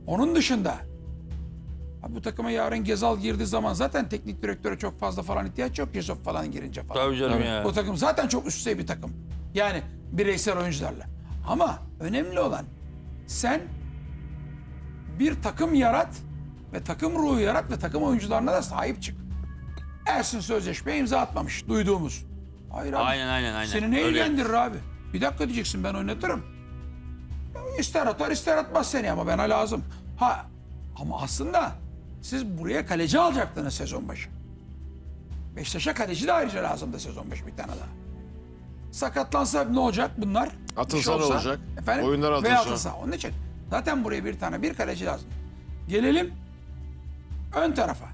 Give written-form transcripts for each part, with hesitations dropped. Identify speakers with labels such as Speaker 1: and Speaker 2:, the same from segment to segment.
Speaker 1: Onun dışında abi bu takıma yarın Gezal girdiği zaman zaten teknik direktöre çok fazla falan ihtiyaç yok. Yusuf falan girince falan.
Speaker 2: Tabii canım ya.
Speaker 1: O takım zaten çok üst düzey bir takım. Yani bireysel oyuncularla. Ama önemli olan sen bir takım yarat ve takım ruhu yarat ve takım oyuncularına da sahip çık. Ersin sözleşmeye imza atmamış duyduğumuz. Hayır abi.
Speaker 2: Aynen.
Speaker 1: Seni ne
Speaker 2: Öyle.
Speaker 1: ilgilendirir abi? Bir dakika diyeceksin, ben oynatırım. Ya İster atar ister atmaz seni ama bana lazım. Ha ama aslında siz buraya kaleci alacaktınız sezon başı. Beşiktaş'a kaleci de ayrıca lazımdı sezon başı bir tane daha. Sakatlansa ne olacak bunlar?
Speaker 3: Atılsa
Speaker 1: Bir şey
Speaker 3: ne
Speaker 1: olsa,
Speaker 3: olacak?
Speaker 1: Efendim?
Speaker 3: Oyunlar
Speaker 1: Veya
Speaker 3: atılsa.
Speaker 1: atılsa. Onun için zaten buraya bir kaleci lazım. Gelelim ön tarafa.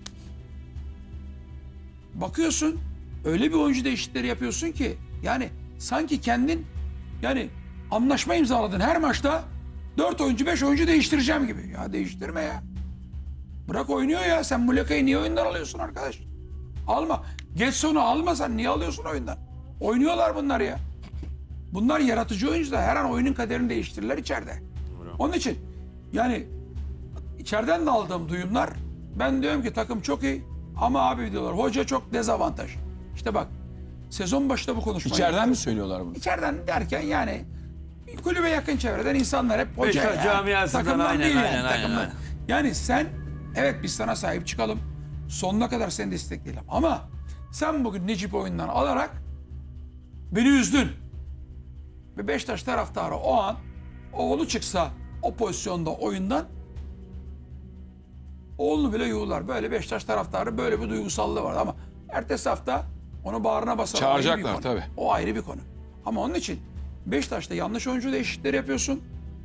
Speaker 1: Bakıyorsun öyle bir oyuncu değişiklikleri yapıyorsun ki yani sanki kendin yani anlaşma imzaladın her maçta 4 oyuncu 5 oyuncu değiştireceğim gibi. Ya değiştirme ya. Bırak oynuyor ya. Sen Muleka'yı niye oyundan alıyorsun arkadaş? Alma. Getson'u almasan niye alıyorsun oyundan? Oynuyorlar bunlar ya. Bunlar yaratıcı oyuncular. Her an oyunun kaderini değiştirirler içeride. Onun için yani içeriden de aldığım duyumlar, ben diyorum ki takım çok iyi ama abi diyorlar hoca çok dezavantaj. İşte bak sezon başında bu konuşmayı
Speaker 4: İçeriden mi söylüyorlar bunu?
Speaker 1: İçeriden derken yani kulübe yakın çevreden insanlar hep hoca
Speaker 2: Beşiktaş camiasından,
Speaker 1: takımdan
Speaker 2: aynen,
Speaker 1: değil yani,
Speaker 2: aynen,
Speaker 1: takımdan.
Speaker 2: aynen.
Speaker 1: Yani sen evet biz sana sahip çıkalım. Sonuna kadar seni destekleyelim. Ama sen bugün Necip oyundan alarak beni üzdün. Ve Beşiktaş taraftarı o an oğlu çıksa o pozisyonda oyundan oğlunu bile yuğular. Böyle Beşiktaş taraftarı böyle bir duygusallığı var ama ertesi hafta onu bağrına basar.
Speaker 4: Çağıracaklar
Speaker 1: O ayrı bir konu.
Speaker 4: tabii.
Speaker 1: O ayrı bir konu. Ama onun için Beşiktaş'ta yanlış oyuncu değişiklikleri yapıyorsun.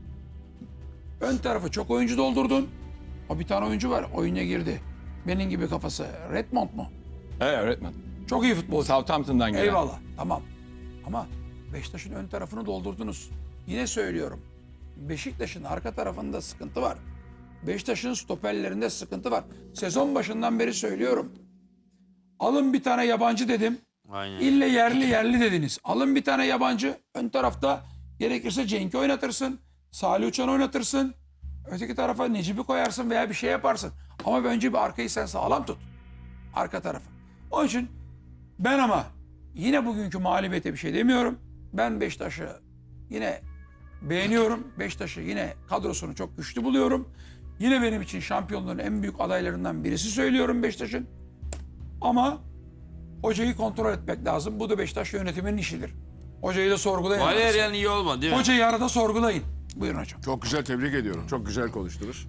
Speaker 1: Ön tarafı çok oyuncu doldurdun. O bir tane oyuncu var oyuna girdi. Benim gibi kafası. Redmond mu?
Speaker 4: Evet öğretmen.
Speaker 1: Çok iyi futbolcu.
Speaker 4: Southampton'dan gelen.
Speaker 1: Eyvallah tamam. Ama Beşiktaş'ın ön tarafını doldurdunuz. Yine söylüyorum. Beşiktaş'ın arka tarafında sıkıntı var. Beşiktaş'ın stoperlerinde sıkıntı var. Sezon başından beri söylüyorum. Alın bir tane yabancı dedim.
Speaker 2: Aynen.
Speaker 1: İlle yerli dediniz. Alın bir tane yabancı. Ön tarafta gerekirse Cenk'i oynatırsın. Salih Uçan'ı oynatırsın. Öteki tarafa Necip'i koyarsın veya bir şey yaparsın. Ama önce bir arkayı sen sağlam tut. Arka tarafı. Onun için ben ama yine bugünkü mağlubiyete bir şey demiyorum. Ben Beşiktaş'ı yine beğeniyorum. Beşiktaş'ı yine kadrosunu çok güçlü buluyorum. Yine benim için şampiyonluğun en büyük adaylarından birisi söylüyorum Beşiktaş'ın. Ama hocayı kontrol etmek lazım. Bu da Beşiktaş yönetiminin işidir. Hocayı da sorgulayın.
Speaker 2: Valerian iyi olmadı değil mi?
Speaker 1: Hocayı arada sorgulayın. Buyurun hocam.
Speaker 3: Çok güzel, tebrik ediyorum. Çok güzel konuştunuz.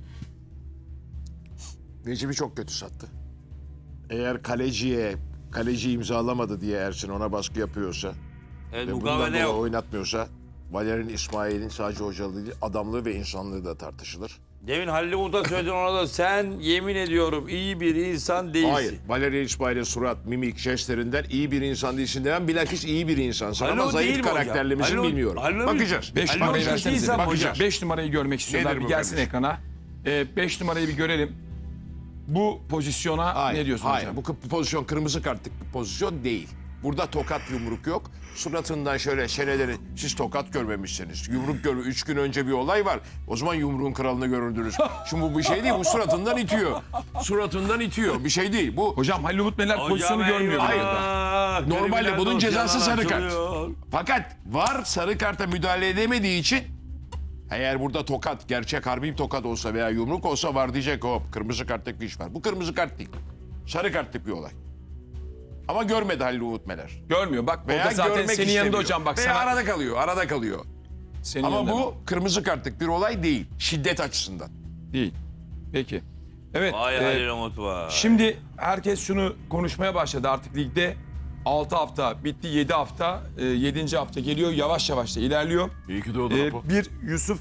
Speaker 3: Necip'i çok kötü sattı. Eğer kaleci imzalamadı diye Ersin ona baskı yapıyorsa
Speaker 2: Evet,
Speaker 3: ve bundan
Speaker 2: mukavele
Speaker 3: dolayı
Speaker 2: yok.
Speaker 3: oynatmıyorsa Valerian İsmail'in sadece hocalığı değil, adamlığı ve insanlığı da tartışılır.
Speaker 2: Demin Halil Umut'a söyledin ona da sen yemin ediyorum iyi bir insan değilsin.
Speaker 3: Hayır. Valerian İsmail'in surat, mimik, jestlerinden iyi bir insan değilsin demem. Bilakis iyi bir insansın
Speaker 2: Halil
Speaker 3: ama
Speaker 2: o değil
Speaker 3: zayıf
Speaker 2: mi hocam?
Speaker 3: karakterli misin
Speaker 2: Halil o-
Speaker 3: bilmiyorum.
Speaker 2: Halil o-
Speaker 3: Bakacağız.
Speaker 4: 5
Speaker 2: Halil
Speaker 4: numarayı
Speaker 2: Hoca
Speaker 4: versenize.
Speaker 2: insan mı
Speaker 4: Bakacağız.
Speaker 2: hocam?
Speaker 4: 5 numarayı görmek istiyorlar.
Speaker 3: Nedir
Speaker 4: Bir
Speaker 3: bu
Speaker 4: gelsin
Speaker 3: kardeşim?
Speaker 4: ekrana. 5 numarayı bir görelim. Bu pozisyona
Speaker 3: Hayır,
Speaker 4: ne diyorsun
Speaker 3: hayır.
Speaker 4: hocam?
Speaker 3: Bu pozisyon kırmızı kartlık bir pozisyon değil. Burada tokat yumruk yok. Suratından şöyle çeneleri siz tokat görmemişsiniz. Yumruk 3 gün önce bir olay var. O zaman yumruğun kralını görürdünüz. Şimdi bu bir şey değil. Bu suratından itiyor. Suratından itiyor. Bir şey değil. Bu
Speaker 4: Hocam Halil Umut Meler pozisyonu
Speaker 2: Hocam
Speaker 4: görmüyor.
Speaker 2: eyvah.
Speaker 4: bile orada.
Speaker 3: Normalde
Speaker 2: Kriminal
Speaker 3: bunun
Speaker 2: dosyalar
Speaker 3: cezası sarı kart.
Speaker 2: açılıyor.
Speaker 3: Fakat var sarı karta müdahale edemediği için eğer burada tokat, gerçek harbi bir tokat olsa veya yumruk olsa var diyecek hop kırmızı kartlık bir iş var. Bu kırmızı kart değil. Sarı kartlık bir olay. Ama görmedi Halil Umut Meler.
Speaker 4: Görmüyor. Bak
Speaker 3: Veya
Speaker 4: orada zaten
Speaker 3: görmek
Speaker 4: senin yanında
Speaker 3: istemiyor.
Speaker 4: hocam bak
Speaker 3: Veya
Speaker 4: sana.
Speaker 3: arada kalıyor, arada kalıyor.
Speaker 4: Senin
Speaker 3: Ama
Speaker 4: yanında
Speaker 3: bu kırmızı kartlık bir olay değil. Şiddet açısından.
Speaker 4: değil. Peki. Evet.
Speaker 2: Vay Halil Umut var.
Speaker 4: Şimdi herkes şunu konuşmaya başladı artık ligde. 6 hafta bitti, 7 hafta, 7. hafta geliyor, yavaş yavaş da ilerliyor.
Speaker 3: İyi ki doğdu
Speaker 4: Bir Yusuf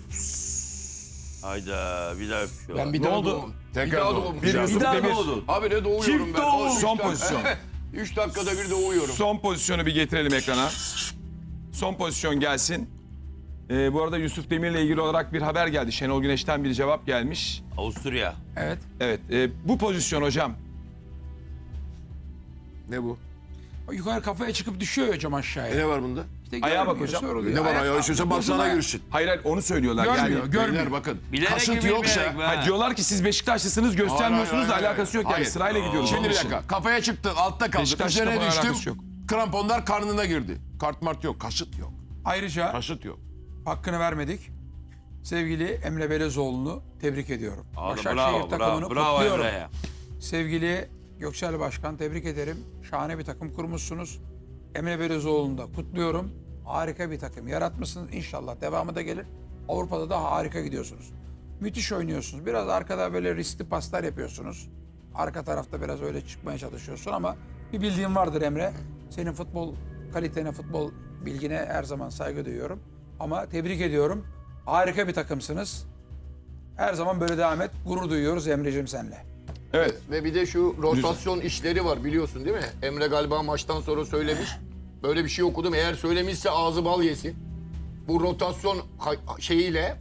Speaker 2: Hayda bir daha öpüyor.
Speaker 5: Ben bir
Speaker 4: Ne
Speaker 5: daha
Speaker 4: oldu?
Speaker 5: doğum.
Speaker 3: Tekrar
Speaker 5: Bir daha
Speaker 3: doğum.
Speaker 5: doğum.
Speaker 4: Bir Yusuf
Speaker 2: Bir daha
Speaker 4: Demir.
Speaker 2: doğdun.
Speaker 5: Abi ne doğuyorum
Speaker 2: Çift
Speaker 5: ben.
Speaker 2: doğum.
Speaker 4: Son pozisyon.
Speaker 5: 3 dakikada bir doğuyorum.
Speaker 4: Son pozisyonu bir getirelim ekrana. Son pozisyon gelsin. Bu arada Yusuf Demir'le ilgili olarak bir haber geldi. Şenol Güneş'ten bir cevap gelmiş.
Speaker 2: Avusturya.
Speaker 1: Evet.
Speaker 4: Evet, bu pozisyon hocam.
Speaker 3: Ne bu?
Speaker 1: O yukarı kafaya çıkıp düşüyor hocam aşağıya.
Speaker 3: Ne var bunda?
Speaker 1: işte
Speaker 4: Ayağa bak
Speaker 1: görmüyor,
Speaker 4: hocam.
Speaker 1: soruluyor.
Speaker 3: Ne var
Speaker 1: Ayak-
Speaker 3: ayağı istiyorsa baksana girsin.
Speaker 4: Hayır hayır onu söylüyorlar.
Speaker 1: Görmüyor,
Speaker 4: Yani,
Speaker 1: görmüyor.
Speaker 3: Beyler bakın.
Speaker 2: Bilerek
Speaker 3: Kasıt
Speaker 2: gibi
Speaker 3: yoksa.
Speaker 2: bilmeyerek be.
Speaker 4: Hayır, diyorlar ki siz Beşiktaşlısınız göstermiyorsunuz da
Speaker 3: Hayır, hayır,
Speaker 4: alakası yok yani
Speaker 3: hayır.
Speaker 4: sırayla gidiyoruz.
Speaker 3: Şimdi
Speaker 4: onun
Speaker 3: bir
Speaker 4: için.
Speaker 3: dakika. Kafaya çıktın, altta kaldın.
Speaker 4: Beşiktaş'la
Speaker 3: Üzerine
Speaker 4: bunun alakası
Speaker 3: düştüm.
Speaker 4: yok.
Speaker 3: Kramponlar karnına girdi. Kart mart yok. Kasıt yok.
Speaker 1: Ayrıca
Speaker 3: Kasıt yok.
Speaker 1: hakkını vermedik. Sevgili Emre Belezoğlu'nu tebrik ediyorum. Başakşehir
Speaker 2: Bravo,
Speaker 1: takımını
Speaker 2: bravo
Speaker 1: kutluyorum.
Speaker 2: Emre'ye.
Speaker 1: Sevgili Göksel Başkan tebrik ederim. Şahane bir takım kurmuşsunuz. Emre Belezoğlu'nu da kutluyorum. Harika bir takım yaratmışsınız. İnşallah devamı da gelir. Avrupa'da da harika gidiyorsunuz. Müthiş oynuyorsunuz. Biraz arkada böyle riskli paslar yapıyorsunuz. Arka tarafta biraz öyle çıkmaya çalışıyorsun ama bir bildiğin vardır Emre. Senin futbol kalitene, futbol bilgine her zaman saygı duyuyorum. Ama tebrik ediyorum. Harika bir takımsınız. Her zaman böyle devam et. Gurur duyuyoruz Emre'cim senle.
Speaker 4: Evet.
Speaker 5: Ve bir de şu rotasyon işleri var biliyorsun değil mi? Emre galiba maçtan sonra söylemiş. Böyle bir şey okudum. Eğer söylemişse ağzı bal yesin. Bu rotasyon şeyiyle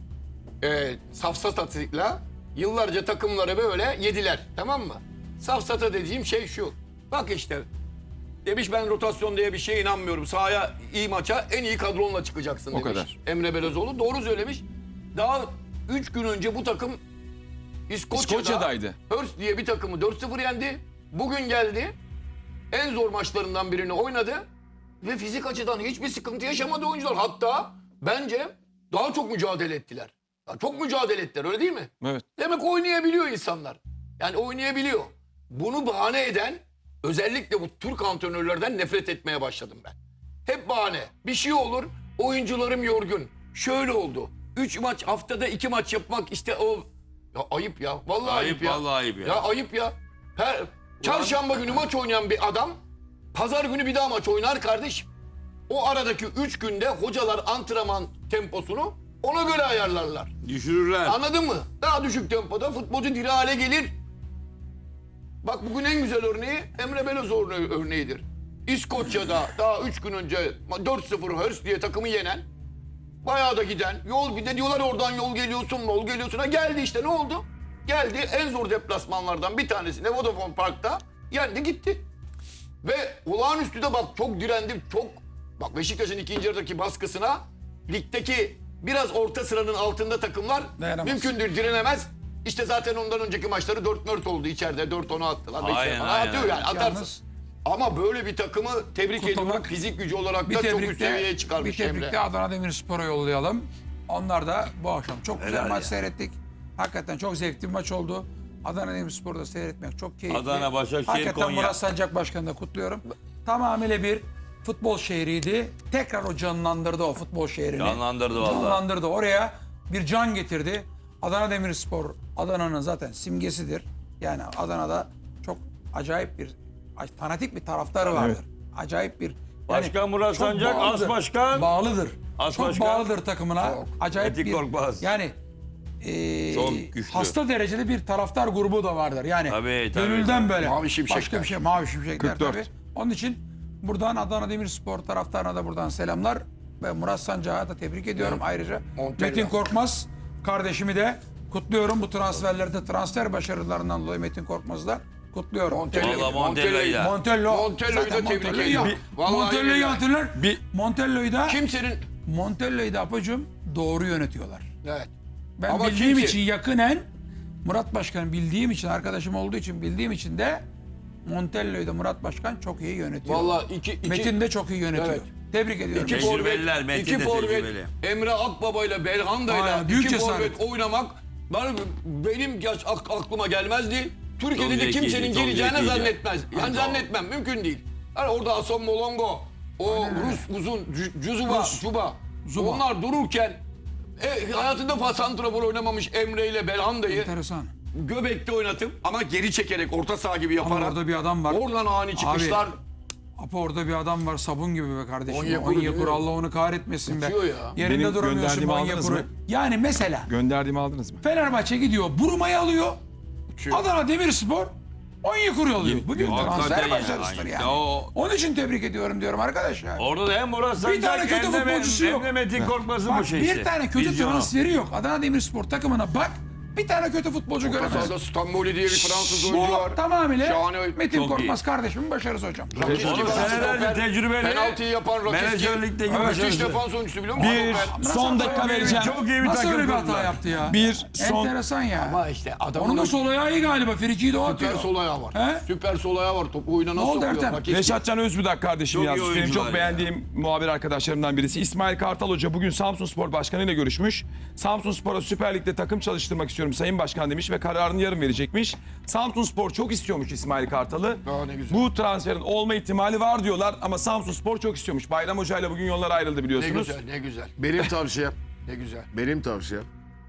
Speaker 5: safsatasıyla yıllarca takımları böyle yediler. Tamam mı? Safsata dediğim şey şu. Bak işte demiş ben rotasyon diye bir şeye inanmıyorum. Sahaya iyi maça en iyi kadronla çıkacaksın demiş.
Speaker 4: kadar.
Speaker 5: Emre Belezoğlu doğru söylemiş. Daha 3 gün önce bu takım
Speaker 4: İskoçya'daydı.
Speaker 5: Hurst diye bir takımı 4-0 yendi. Bugün geldi. En zor maçlarından birini oynadı. Ve fizik açıdan hiçbir sıkıntı yaşamadı oyuncular. Hatta bence daha çok mücadele ettiler. Ya çok mücadele ettiler öyle değil mi?
Speaker 4: Evet.
Speaker 5: Demek oynayabiliyor insanlar. Yani oynayabiliyor. Bunu bahane eden özellikle bu Türk antrenörlerden nefret etmeye başladım ben. Hep bahane. Bir şey olur. Oyuncularım yorgun. Şöyle oldu. 3 maç haftada 2 maç yapmak işte o... Ya ayıp ya. Vallahi ayıp, ya.
Speaker 2: Vallahi ayıp ya.
Speaker 5: Ya ayıp ya. Çarşamba günü maç oynayan bir adam pazar günü bir daha maç oynar kardeş. O aradaki 3 günde hocalar antrenman temposunu ona göre ayarlarlar.
Speaker 2: Düşürürler.
Speaker 5: Anladın mı? Daha düşük tempoda futbolcu diri hale gelir. Bak bugün en güzel örneği Emre Belezoğlu örneğidir. İskoçya'da daha 3 gün önce 4-0 Hurst diye takımı yenen, bayağı da giden, yol bir de diyorlar oradan yol geliyorsun. Ha geldi işte ne oldu? Geldi en zor deplasmanlardan bir tanesine Vodafone Park'ta yendi gitti. Ve olağanüstü de bak çok direndim çok. Bak Beşiktaş'ın ikinci yarıdaki baskısına ligdeki biraz orta sıranın altında takımlar
Speaker 1: Dayanamaz.
Speaker 5: mümkündür direnemez. İşte zaten ondan önceki maçları 4-4 oldu içeride 4-10'a attılar.
Speaker 2: Aynen,
Speaker 5: Falan
Speaker 2: aynen.
Speaker 5: atıyor yani atarsın.
Speaker 1: Yalnız
Speaker 5: Ama böyle bir takımı tebrik
Speaker 1: Kutlamak,
Speaker 5: ediyorum. Fizik gücü olarak
Speaker 1: bir
Speaker 5: da çok üst
Speaker 1: tebrikte,
Speaker 5: seviyeye çıkarmış
Speaker 1: bir tebrikte
Speaker 5: Emre.
Speaker 1: Adana Demirspor'a yollayalım. Onlar da bu akşam çok güzel
Speaker 2: Helal
Speaker 1: maç
Speaker 2: ya.
Speaker 1: seyrettik. Hakikaten çok zevkli bir maç oldu. Adana Demirspor'da seyretmek çok keyifli.
Speaker 2: Adana, Başakşehir,
Speaker 1: Hakikaten
Speaker 2: Konya.
Speaker 1: Murat Sancak Başkanı'nı da kutluyorum. Tamamıyla bir futbol şehriydi. Tekrar o canlandırdı o futbol şehrini.
Speaker 2: Canlandırdı vallahi.
Speaker 1: Canlandırdı. Oraya bir can getirdi. Adana Demirspor Adana'nın zaten simgesidir. Yani Adana'da çok acayip bir fanatik bir taraftarı vardır. Acayip bir
Speaker 2: Başkan Murat
Speaker 1: çok
Speaker 2: Sancak,
Speaker 1: bağlıdır.
Speaker 2: as başkan.
Speaker 1: Bağlıdır.
Speaker 2: As
Speaker 1: çok
Speaker 2: başkan.
Speaker 1: bağlıdır takımına. Acayip
Speaker 2: Metin
Speaker 1: bir
Speaker 2: Korkmaz.
Speaker 1: yani
Speaker 2: Çok güçlü.
Speaker 1: hasta derecede bir taraftar grubu da vardır. Yani
Speaker 2: Tabii,
Speaker 1: gönülden böyle.
Speaker 5: Mavi şimşekler.
Speaker 1: Başka bir şey mavi şimşekler
Speaker 4: 44.
Speaker 1: tabii. Onun için buradan Adana Demirspor taraftarına da buradan selamlar ve Murat Sancak'a da tebrik ediyorum ayrıca.
Speaker 5: Montella.
Speaker 1: Metin Korkmaz kardeşimi de kutluyorum. Bu transferlerde transfer başarılarından dolayı Metin Korkmaz'ı da kutluyorum.
Speaker 2: Vallahi Montella'yı da.
Speaker 5: Montella'yı da
Speaker 1: Zaten
Speaker 5: tebrik
Speaker 1: Montella'yı
Speaker 5: ediyorum.
Speaker 1: ya.
Speaker 5: Vallahi
Speaker 1: Montella'yı
Speaker 5: billahi.
Speaker 1: hatırlar.
Speaker 4: Bir-
Speaker 1: Montella'yı da
Speaker 5: Kimsenin
Speaker 1: apacığım doğru yönetiyorlar.
Speaker 5: evet.
Speaker 1: Ben
Speaker 5: Ama
Speaker 1: bildiğim
Speaker 5: kimse-
Speaker 1: için yakınen Murat Başkan bildiğim için arkadaşım olduğu için bildiğim için de Montello'yu da Murat Başkan çok iyi yönetiyor.
Speaker 5: Vallahi iki
Speaker 1: Metin de çok iyi yönetiyor.
Speaker 5: Evet.
Speaker 1: Tebrik ediyorum.
Speaker 5: İki
Speaker 2: Tecrübeliler,
Speaker 5: forvet,
Speaker 2: Metin
Speaker 5: iki
Speaker 2: de
Speaker 5: forvet,
Speaker 2: tecrübeli.
Speaker 5: Emre Akbaba ile Belhanda'yla
Speaker 1: Aynen, büyük
Speaker 5: iki
Speaker 1: cesaret.
Speaker 5: forvet oynamak benim aklıma gelmezdi. Türkiye'de
Speaker 2: Çok
Speaker 5: de
Speaker 2: zekiydi,
Speaker 5: kimsenin
Speaker 2: çok
Speaker 5: geleceğini
Speaker 2: zekiydi.
Speaker 5: zannetmez. Yani zannetmem, mümkün değil. Yani orada Hasan Molongo, o Rus uzun, Zuba, onlar dururken hayatında santrafor oynamamış Emre ile Belhanda'yı
Speaker 1: Enteresan.
Speaker 5: göbekte oynatıp ama geri çekerek orta saha gibi
Speaker 1: Ama
Speaker 5: yaparak
Speaker 1: orada bir adam var.
Speaker 5: oradan ani çıkışlar.
Speaker 1: Apa orada bir adam var sabun gibi be kardeşim.
Speaker 5: Onyekuru değil
Speaker 1: Onyekuru
Speaker 5: mi?
Speaker 1: Allah onu kahretmesin be.
Speaker 5: Uçuyor ya.
Speaker 1: Yerinde
Speaker 4: Benim
Speaker 1: duramıyorsun
Speaker 4: gönderdiğimi aldınız
Speaker 1: Onyekuru.
Speaker 4: mı?
Speaker 1: Yani mesela
Speaker 4: Gönderdiğimi aldınız mı?
Speaker 1: Fenerbahçe gidiyor Buruma'yı alıyor.
Speaker 5: Uçuyor.
Speaker 1: Adana Demirspor Onyekuru alıyor. Bu bir
Speaker 2: Hakikaten
Speaker 1: transfer
Speaker 2: yani,
Speaker 1: başarısıdır
Speaker 2: aynen.
Speaker 1: yani.
Speaker 2: O-
Speaker 1: Onun için tebrik ediyorum diyorum arkadaşlar.
Speaker 2: Orada da hem Murat
Speaker 1: Bir tane
Speaker 2: Sancak
Speaker 1: kötü
Speaker 2: hem de
Speaker 1: futbolcusu yok.
Speaker 2: Metin Korkmaz'ın
Speaker 1: Bak
Speaker 2: bu şeysi.
Speaker 1: bir tane kötü
Speaker 2: Vizyonu.
Speaker 1: transferi yok. Adana Demirspor takımına bak. Bir tane kötü futbolcu göremezsin.
Speaker 5: Sahada Stamboli diye bir Fransız oyuncu var.
Speaker 1: Bu tamamıyla
Speaker 5: Şahane.
Speaker 1: Metin
Speaker 2: Çok
Speaker 1: Korkmaz kardeşimin başarısı hocam.
Speaker 5: Rakip
Speaker 2: Oğlum
Speaker 5: gibi
Speaker 2: senelerce
Speaker 5: stoper,
Speaker 2: tecrübeli.
Speaker 5: penaltıyı yapan Rakiski.
Speaker 2: Menajerlikteki
Speaker 1: Evet,
Speaker 5: Müthiş
Speaker 2: başarısı.
Speaker 5: defans oyuncusu biliyor musun?
Speaker 4: Bir
Speaker 5: Stoper.
Speaker 4: son dakika vereceğim.
Speaker 2: Çok iyi bir
Speaker 1: Nasıl
Speaker 2: takım
Speaker 1: öyle bir hata
Speaker 2: kurdular.
Speaker 1: yaptı ya?
Speaker 4: Bir son
Speaker 1: Enteresan ya.
Speaker 5: Ama işte adamın
Speaker 1: Onun da sol ayağı iyi galiba. Frikiyi de o
Speaker 5: süper
Speaker 1: atıyor.
Speaker 5: sol ayağı var.
Speaker 1: He?
Speaker 5: Süper sol ayağı var. Topu oyuna nasıl
Speaker 1: oldu
Speaker 5: sokuyor?
Speaker 1: Ertem?
Speaker 5: Rakiski.
Speaker 4: Reşatcan Özbudak kardeşim
Speaker 2: Çok iyi
Speaker 4: yazmış. Benim
Speaker 2: oyuncular
Speaker 4: çok
Speaker 2: ya.
Speaker 4: beğendiğim muhabir arkadaşlarımdan birisi. İsmail Kartal Hoca bugün Samsunspor Başkanı ile görüşmüş. Samsunspor'a Süper Lig'de takım çalıştırmak istiyorum Sayın Başkan demiş ve kararını yarın verecekmiş. Samsunspor çok istiyormuş İsmail Kartal'ı.
Speaker 5: Aa, ne güzel.
Speaker 4: Bu transferin olma ihtimali var diyorlar ama Samsunspor çok istiyormuş. Bayram Hoca ile bugün yollar ayrıldı
Speaker 5: Ne
Speaker 4: biliyorsunuz.
Speaker 5: güzel, ne güzel.
Speaker 3: Benim tavsiyem,
Speaker 5: Ne güzel.
Speaker 3: benim tavsiyem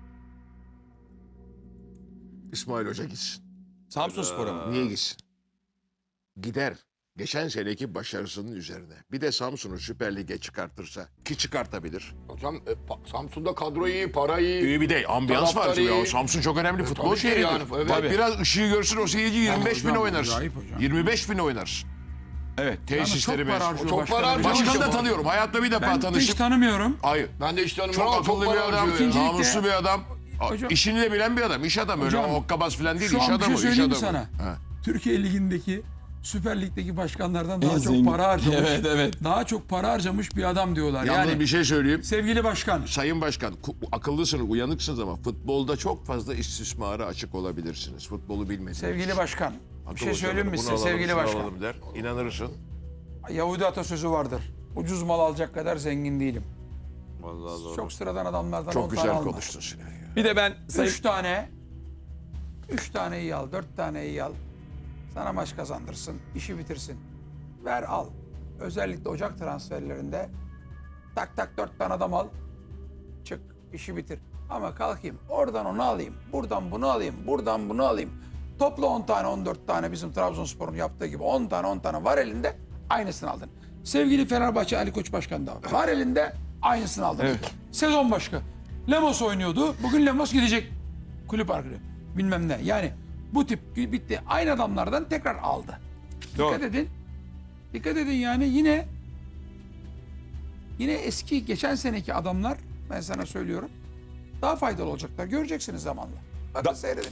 Speaker 3: İsmail Hoca gitsin.
Speaker 4: Samsunspor'a mı?
Speaker 3: Niye gitsin? Gider. Geçen seneki başarısının üzerine. Bir de Samsun'u Süper Lig'e çıkartırsa ki çıkartabilir.
Speaker 5: Hocam Samsun'da kadro iyi, para iyi.
Speaker 3: İyi bir de ambiyans var.
Speaker 5: Taraftarı
Speaker 3: Ya.
Speaker 5: iyi.
Speaker 3: Samsun çok önemli futbol
Speaker 5: tabii ki
Speaker 3: şehridir.
Speaker 5: yani, evet.
Speaker 3: Bak biraz ışığı görsün o seyirci 25 bin
Speaker 1: hocam,
Speaker 3: oynarsın.
Speaker 1: acayip hocam.
Speaker 3: 25 bin oynarsın.
Speaker 4: Evet.
Speaker 3: Tesisleri
Speaker 1: Çok para
Speaker 3: mevcut.
Speaker 1: harcıyor
Speaker 5: Çok
Speaker 1: başkanım.
Speaker 5: para harcıyor.
Speaker 3: Başkanı da
Speaker 5: Hocam.
Speaker 3: tanıyorum. Hayatta bir defa
Speaker 1: Ben hiç
Speaker 3: tanıştım.
Speaker 1: tanımıyorum.
Speaker 3: Hayır.
Speaker 5: Ben de işte tanımıyorum
Speaker 3: Çok
Speaker 5: ama çok
Speaker 3: akıllı bir
Speaker 5: para
Speaker 3: adam.
Speaker 5: harcıyor ya.
Speaker 3: Namuslu bir adam.
Speaker 1: Hocam-
Speaker 3: İşini de bilen bir adam. İş adamı. Öyle
Speaker 1: Hocam,
Speaker 3: hokkabaz falan değil.
Speaker 1: Şu
Speaker 3: İş
Speaker 1: an bir
Speaker 3: adamı.
Speaker 1: şey
Speaker 3: iş
Speaker 1: söyleyeyim mi
Speaker 3: adamı.
Speaker 1: sana?
Speaker 3: Ha.
Speaker 1: Türkiye Ligi'ndeki Süper Lig'deki başkanlardan daha
Speaker 4: En
Speaker 1: çok
Speaker 4: zengin.
Speaker 1: para harcamış.
Speaker 4: Evet, evet.
Speaker 1: Daha çok para harcamış bir adam diyorlar.
Speaker 3: Yalnız
Speaker 1: Yani
Speaker 3: bir şey söyleyeyim.
Speaker 1: sevgili başkan.
Speaker 3: Sayın Başkan, akıllısınız, uyanıksınız ama futbolda çok fazla istismara açık olabilirsiniz. Futbolu bilmediğiniz.
Speaker 1: Sevgili başkan. Bir
Speaker 3: Akıl
Speaker 1: şey söyleyeyim mi
Speaker 3: hocaları,
Speaker 1: size
Speaker 3: bunu alalım,
Speaker 1: sevgili
Speaker 3: şunu
Speaker 1: başkan?
Speaker 3: alalım der. İnanırsın.
Speaker 1: Yahudi atasözü vardır. Ucuz mal alacak kadar zengin değilim.
Speaker 2: Vallahi doğru.
Speaker 1: Çok sıradan adamlardan 10
Speaker 3: Çok
Speaker 1: tane
Speaker 3: güzel
Speaker 1: alma.
Speaker 3: konuştun Sinan ya.
Speaker 4: Bir de ben Sayın
Speaker 1: 3 tane iyi al, 4 tane iyi al. Sana maç kazandırsın, işi bitirsin. Ver al. Özellikle Ocak transferlerinde tak tak 4 tane adam al. Çık, işi bitir. Ama kalkayım, oradan onu alayım, buradan bunu alayım, buradan bunu alayım. Topla 10 tane, 14 tane bizim Trabzonspor'un yaptığı gibi 10 tane var elinde, aynısını aldın. Sevgili Fenerbahçe Ali Koç Başkan da var elinde, aynısını aldın. Sezon başka. Lemos oynuyordu, bugün Lemos gidecek. Kulüp arkadaşı, bilmem ne. Yani bu tip bitti. Aynı adamlardan tekrar aldı.
Speaker 4: Doğru.
Speaker 1: Dikkat edin. Dikkat edin yani yine eski geçen seneki adamlar ben sana söylüyorum daha faydalı olacaklar. Göreceksiniz zamanla. Bakın seyredin.